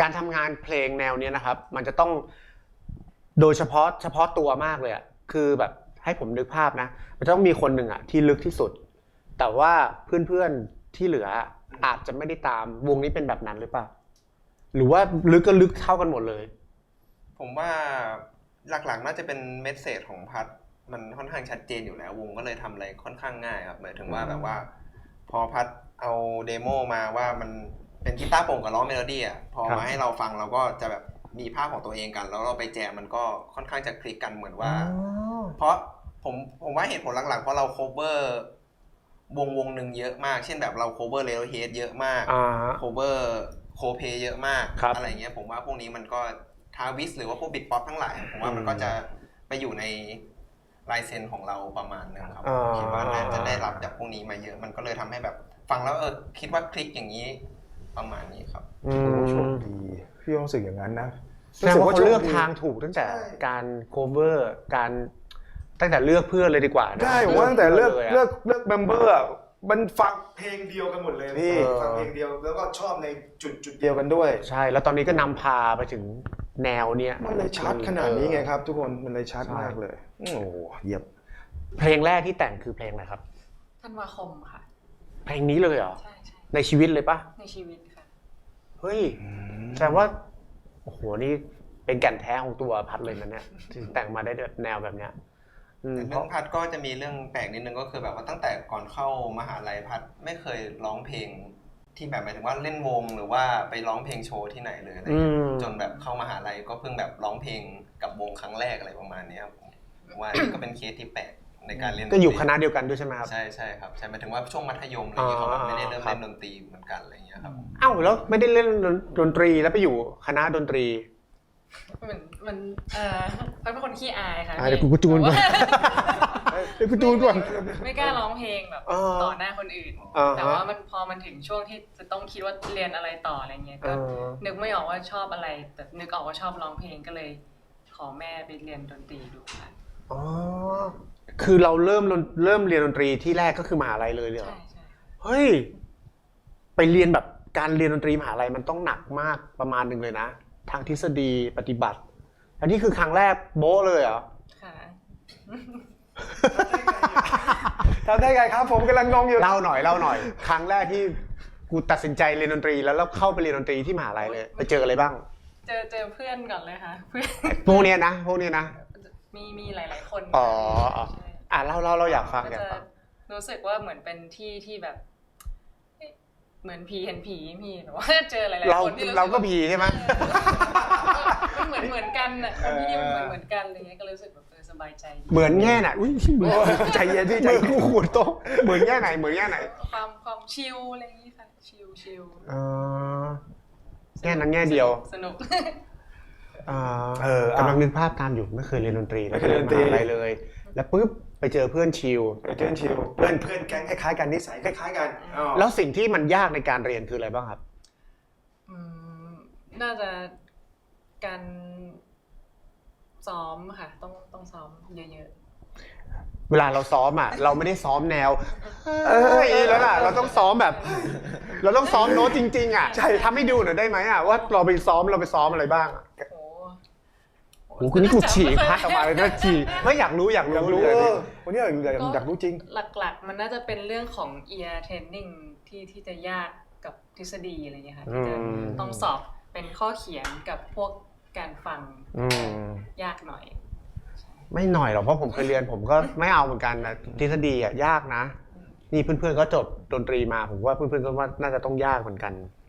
การทำงานเพลงแนวเนี้ยนะครับมันจะต้องโดยเฉพาะตัวมากเลยอ่ะคือแบบให้ผมนึกภาพนะมันต้องมีคนหนึ่งอ่ะที่ลึกที่สุดแต่ว่าเพื่อนๆที่เหลืออาจจะไม่ได้ตามวงนี้เป็นแบบนั้นหรือเปล่าหรือว่าลึกก็ลึกเท่ากันหมดเลยผมว่าหลักๆน่าจะเป็นเมสเสจของพัดมันค่อนข้างชัดเจนอยู่แล้ววงก็เลยทำอะไรค่อนข้างง่ายครับหมายถึงว่าแบบว่าพอพัดเอาเดโมมาว่ามันเป็นกีตาร์โปร่งกับร้องเมโลดี้อ่ะพอมาให้เราฟังเราก็จะแบบมีภาพของตัวเองกันแล้วเราไปแจมมันก็ค่อนข้างจะคลิกกันเหมือนว่าเพราะผมว่าเหตุผลหลักๆเพราะเราโคเวอร์วงหนึ่งเยอะมากเช่นแบบเราโคเวอร์เรโอเฮดเยอะมากโคเวอร์โคเพเยอะมากอะไรเงี้ยผมว่าพวกนี้มันก็ทาวิสหรือว่าพวกบิทป๊อปทั้งหลายผมว่ามันก็จะไปอยู่ในลายเซ็นของเราประมาณนึงครับคิดว่าน่าจะได้รับจากพวกนี้มาเยอะมันก็เลยทำให้แบบฟังแล้วคิดว่าคลิกอย่างนี้ประมาณนี้ครับโชคดีพี่รู้สึกอย่างนั้นนะแสดงว่าเขาเลือกทางถูกตั้งแต่การ cover การตั้งแต่เลือกเพื่อนเลยดีกว่าใช่ผมว่าตั้งแต่เลือกเมมเบอร์มันฟังเพลงเดียวกันหมดเลยพี่ฟังเพลงเดียวแล้วก็ชอบในจุดเดียวกันด้วยใช่แล้วตอนนี้ก็นำพาไปถึงแนวเนี้ยมันเลยชัดขนาดนี้ไงครับทุกคนมันเลยชัดมากเลยโอ้เยี่ยมเพลงแรกที่แต่งคือเพลงอะไรครับธันวาคมค่ะเพลงนี้เลยเหรอใช่ในชีวิตเลยปะในชีวิตค่ะเฮ้ยแสดงว่าโอ้โหนี่เป็นแก่นแท้ของตัวพัดเลยนะเนี่ยที่แต่งมาได้แนวแบบเนี้ยแต่เรื่องพัดก็จะมีเรื่องแปลกนิดนึงก็คือแบบว่าตั้งแต่ก่อนเข้ามหาลัยพัดไม่เคยร้องเพลงที่แบบหมายถึงว่าเล่นวงหรือว่าไปร้องเพลงโชว์ที่ไหนเลยอะไรจนแบบเข้ามหาลัยก็เพิ่งแบบร้องเพลงกับวงครั้งแรกอะไรประมาณนี้ครับว่าก็เป็นเคสที่แปลกในการเล่นก็อยู่คณะเดียวกันด้วยใช่ไหมครับใช่ครับใช่หมายถึงว่าช่วงมัธยมอะไรอย่างเงี้ยเขาแบบไม่ได้เริ่มเล่นดนตรีเหมือนกันอะไรอย่างเงี้ยครับอ้าวแล้วไม่ได้เล่นดนตรีแล้วไปอยู่คณะดนตรีมันเป็นคนขี้อายค่ะเดี๋ยวกูจูนก่อนเดี๋ยวกูจูนก่อนไม่กล้าร้องเพลงแบบต่อหน้าคนอื่นแต่ว่ามันพอมันถึงช่วงที่จะต้องคิดว่าเรียนอะไรต่ออะไรเงี้ยก็นึกไม่ออกว่าชอบอะไรแต่นึกออกว่าชอบร้องเพลงก็เลยขอแม่ไปเรียนดนตรีดูค่ะอ๋อคือเราเริ่มเรียนดนตรีที่แรกก็คือมหาลัยเลยเหรอใช่เฮ้ยไปเรียนแบบการเรียนดนตรีมหาลัยมันต้องหนักมากประมาณนึงเลยนะทางทฤษฎีปฏิบัติอันนี้คือครั้งแรกโบ๊ะเลยเหรอค่ะทำได้ไงครับผมกำลังงงอยู่เล่าหน่อยครั้งแรกที่กูตัดสินใจเรียนดนตรีแล้วเข้าไปเรียนดนตรีที่มหาลัยเลยไปเจออะไรบ้างเจอเพื่อนก่อนเลยค่ะเพื่อนพวกนี้นะมีหลายๆคนอ๋อเราอยากฟังรู้สึกว่าเหมือนเป็นที่ที่แบบเหมือนผีเห็นผีมีแบบว่าเจอหลายๆคนที่เราก็ผีใช่ไหมมันเหมือนกันอ่ะคนที่เหมือนกันอะไรเงี้ยก็รู้สึกแบบสบายใจเหมือนแง่ไหนอุ้ยใจเย็นพี่ใจกูขูดโต๊ะเหมือนแง่ไหนความชิลอะไรอย่างงี้ค่ะชิลแง่นั้นแง่เดียวสนุกกำลังนึกภาพตามอยู่ไม่เคยเรียนดนตรีไม่เคยเรียนอะไรเลยแล้วปุ๊บไปเจอเพื่อนชิลเพื่อนแก๊งคล้ายๆกันนิสัยคล้ายๆกันแล้วสิ่งที่มันยากในการเรียนคืออะไรบ้างครับน่าจะการซ้อมค่ะต้องซ้อมเยอะๆเวลาเราซ้อมอ่ะเราไม่ได้ซ้อมแนวแล้วล่ะเราต้องซ้อมแบบเราต้องซ้อมโน้ตจริงๆอ่ะใช่ทำให้ดูหน่อยได้ไหมอ่ะว่าเราไปซ้อมอะไรบ้างโอ้คุณนี่กูฉีกพัดออกมาเลยนะฉีกไม่อยากรู้วันนี้อยากรู้จริงหลักๆมันน่าจะเป็นเรื่องของ ear training ที่จะยากกับทฤษฎีอะไรอย่างเงี้ยค่ะที่จะต้องสอบเป็นข้อเขียนกับพวกการฟังยากหน่อยไม่หน่อยหรอกเพราะผมเคยเรียนผมก็ไม่เอาเหมือนกันนะทฤษฎีอ่ะยากนะนี่เพื่อนๆก็จบดนตรีมาผมว่าเพื่อนๆก็ว่าน่าจะต้องยากเหมือนกัน